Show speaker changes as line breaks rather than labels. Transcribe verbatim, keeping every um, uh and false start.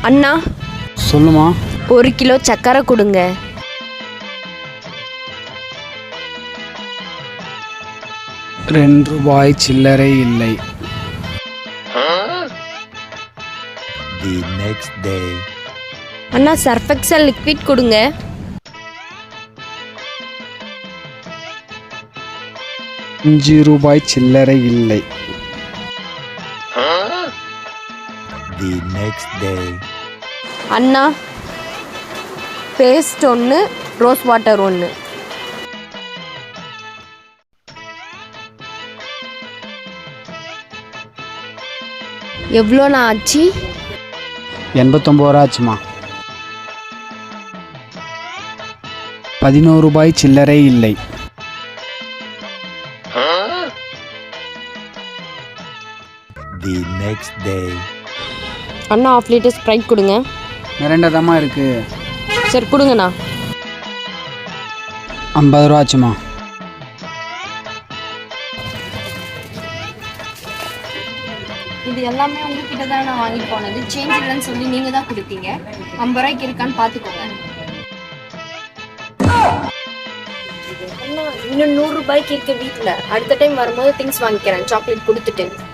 அண்ணா
சொல்லுமா.
ஒரு கிலோ சக்கரை கொடுங்க.
ரெண்டு ரூபாய் சில்லறை இல்லை.
The next day.
அண்ணா சர்ஃபெக்சல் லிக்விட் கொடுங்க.
அஞ்சு ரூபாய் சில்லறை இல்லை.
The next day.
அண்ணா பேஸ்ட் ஒன்று, ரோஸ் வாட்டர் ஒன்று. எவ்வளோண்ணா ஆச்சு?
எண்பத்தொம்பது ரூபா ஆச்சுமா. பதினோரு ரூபாய் சில்லறை இல்லை.
The next day.
அண்ணா ஆஃப் லிட்டர் ஸ்ப்ரைட் கொடுங்க.
மிரண்டதமாக இருக்கு.
சரி கொடுங்கண்ணா.
ஐம்பது ரூபா ஆச்சுமா.
இது எல்லாமே உங்ககிட்ட தான் நான் வாங்கி போனது. சேஞ்ச் இல்லைன்னு சொல்லி நீங்கள் தான் கொடுத்தீங்க. ஐம்பது ரூபாய்க்கு இருக்கான்னு பார்த்துக்கோங்க. அண்ணா இன்னும் நூறு ரூபாய்க்கு இருக்க வீட்டில். அடுத்த டைம் வரும்போது திங்ஸ் வாங்கிக்கிறேன் சாக்லேட் கொடுத்துட்டு.